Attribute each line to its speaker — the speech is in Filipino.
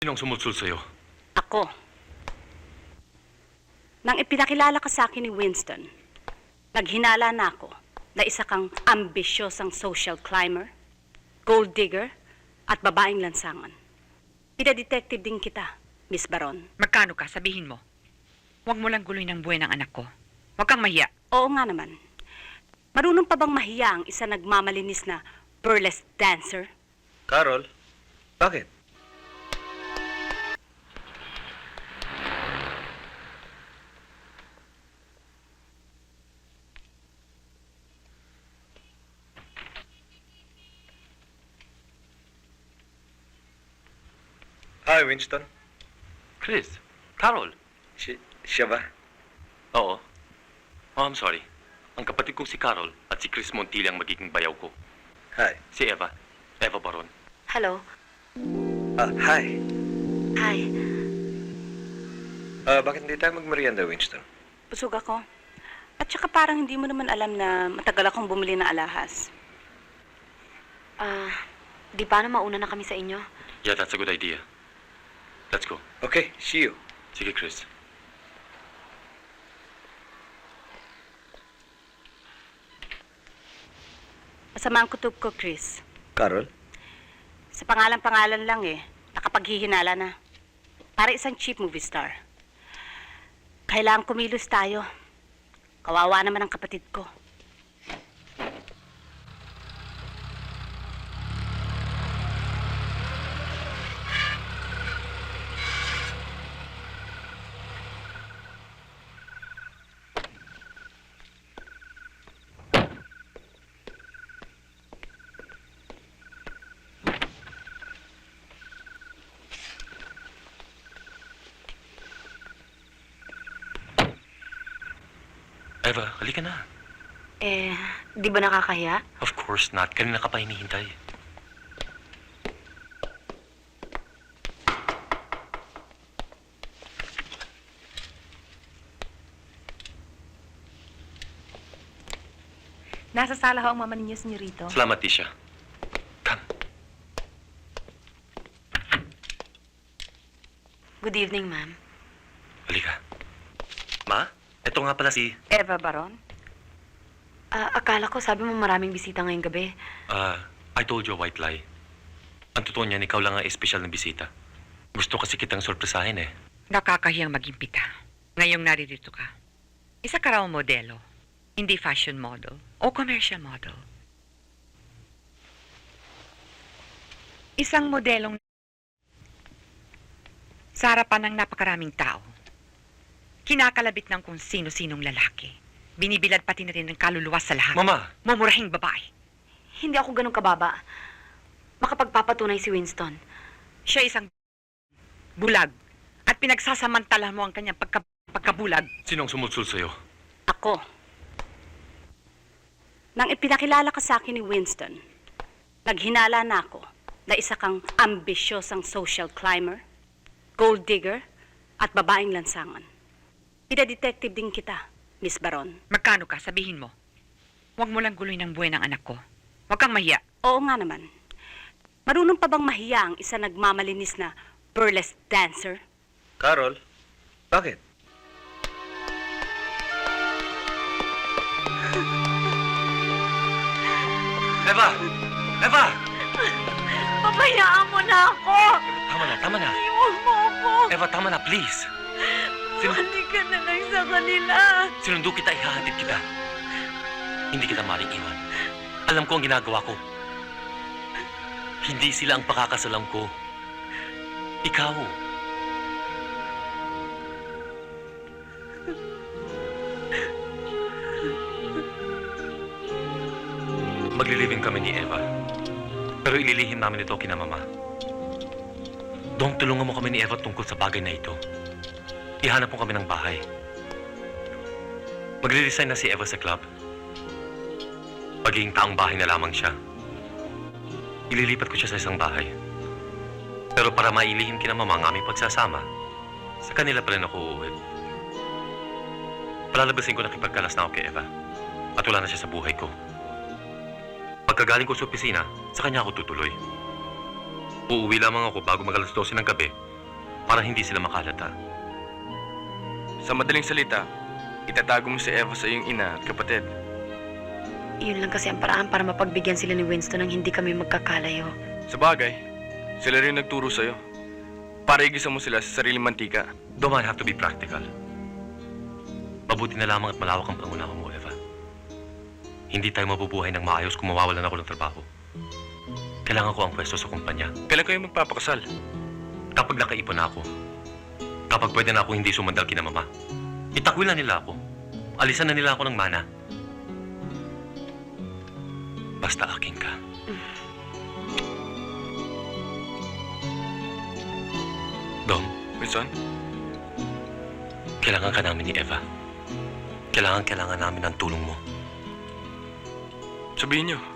Speaker 1: Sinong sumusul sa'yo?
Speaker 2: Ako. Nang ipinakilala ka sa akin ni Winston, naghinala na ako na isa kang ambisyosang social climber, gold digger, at babaeng lansangan. Pinadetective din kita, Miss Baron.
Speaker 3: Magkano ka? Sabihin mo. Huwag mo lang guloy ng buhay ng anak ko. Huwag kang mahiya.
Speaker 2: Oo nga naman. Marunong pa bang mahiya ang isa nagmamalinis na burlesque dancer?
Speaker 1: Carol? Bakit? Hi, Winston.
Speaker 4: Chris, Carol.
Speaker 1: Siya ba?
Speaker 4: Oo. Oh, I'm sorry. Ang kapatid kong si Carol at si Chris Montilla ang magiging bayaw ko.
Speaker 1: Hi.
Speaker 4: Si Eva. Eva Baron.
Speaker 2: Hello.
Speaker 1: Hi.
Speaker 2: Hi.
Speaker 1: Bakit hindi tayo magmerienda, Winston?
Speaker 2: Busog ako. At saka parang hindi mo naman alam na matagal akong bumili ng alahas.
Speaker 5: Di ba na mauna na kami sa inyo?
Speaker 4: Yeah, that's a good idea. Let's go.
Speaker 1: Okay, see you.
Speaker 4: Sige, Chris.
Speaker 2: Masama ang kutob ko, Chris.
Speaker 1: Carol?
Speaker 2: Sa pangalan-pangalan lang nakapaghihinala na. Para isang cheap movie star. Kailangan kumilos tayo. Kawawa naman ang kapatid ko.
Speaker 4: Eva, halika na.
Speaker 5: Di ba nakakahiya?
Speaker 4: Of course not. Kanina ka pa hinihintay.
Speaker 6: Nasa sala ho ang mama ninyo, senyorito.
Speaker 4: Salamat, Tisha. Come.
Speaker 5: Good evening, ma'am.
Speaker 4: Halika. Ma, ito nga pala si...
Speaker 2: Eva Baron?
Speaker 5: Akala ko sabi mo maraming bisita ngayong gabi.
Speaker 4: I told you a white lie. Ang totoo niyan, ikaw lang ang espesyal na bisita. Gusto kasi kitang sorpresahin eh.
Speaker 3: Nakakahiyang maging pita. Ngayong naririto ka. Isa ka raw modelo. Hindi fashion model o commercial model. Isang modelong sa harapan ng napakaraming tao. Kinakalabit ng kung sino-sinong lalaki. Binibilad pati na rin ng kaluluwa sa lahat.
Speaker 4: Mama!
Speaker 3: Mumurahing babae.
Speaker 5: Hindi ako ganun kababa. Makapagpapatunay si Winston.
Speaker 3: Siya isang bulag. At pinagsasamantala mo ang kanyang pagkabulag.
Speaker 4: Sinong sumusul sa'yo?
Speaker 2: Ako. Nang ipinakilala ka sa akin ni Winston, naghinala na ako na isa kang ambisyosang social climber, gold digger, at babaeng lansangan. Pinadetective din kita, Miss Baron.
Speaker 3: Magkano ka? Sabihin mo. Huwag mo lang guloy ng buhay ng anak ko. Huwag kang mahiya.
Speaker 2: Oo nga naman. Marunong pa bang mahiya ang isa nagmamalinis na burlesque dancer?
Speaker 1: Carol? Bakit?
Speaker 4: Eva! Eva!
Speaker 5: Pabayaan mo na ako!
Speaker 4: Tama na, tama na.
Speaker 5: Iwan mo ako!
Speaker 4: Eva, tama na, please.
Speaker 5: Balik ka na lang sa kanila!
Speaker 4: Sinundo kita, ihahatid kita. Hindi kita maring iwan. Alam ko ang ginagawa ko. Hindi sila ang pakakasalan ko. Ikaw. Maglilibing kami ni Eva. Pero ililihim namin ito kina Mama. Dong, tulungan mo kami ni Eva tungkol sa bagay na ito. Ihanap mo kami ng bahay. Magre-resign na si Eva sa club. Magiging taong bahay na lamang siya. Ililipat ko siya sa isang bahay. Pero para mailihim kina Mama ang aming pagsasama, sa kanila pa rin ako uuwi. Palalabasin ko na kipagkalas na ako kay Eva. At wala na siya sa buhay ko. Pagkagaling ko sa opisina, sa kanya ako tutuloy. Uuwi lamang ako bago mag-alas 12 ng gabi para hindi sila makalata.
Speaker 7: Sa madaling salita, itatago mo si Eva sa iyong ina at kapatid.
Speaker 5: Yun lang kasi ang paraan para mapagbigyan sila ni Winston ng hindi kami magkakalayo.
Speaker 7: Sa bagay, sila rin nagturo sa'yo. Para igisa mo sila sa sariling mantika.
Speaker 4: Dom, I have to be practical. Mabuti na lamang at malawak ang pangunawa mo, Eva. Hindi tayo mabubuhay ng maayos kung mawawalan ako ng trabaho. Kailangan ko ang pwesto sa kumpanya.
Speaker 7: Kailan kayo magpapakasal?
Speaker 4: Kapag nakaipon na ako, kapag pwede na ako hindi sumandal kina mama, itakwil na nila ako. Alisan na nila ako ng mana. Basta akin ka. Dom,
Speaker 7: Winston?
Speaker 4: kailangan ka namin ni Eva. Kailangan namin ng tulong mo.
Speaker 7: Sabihin niyo.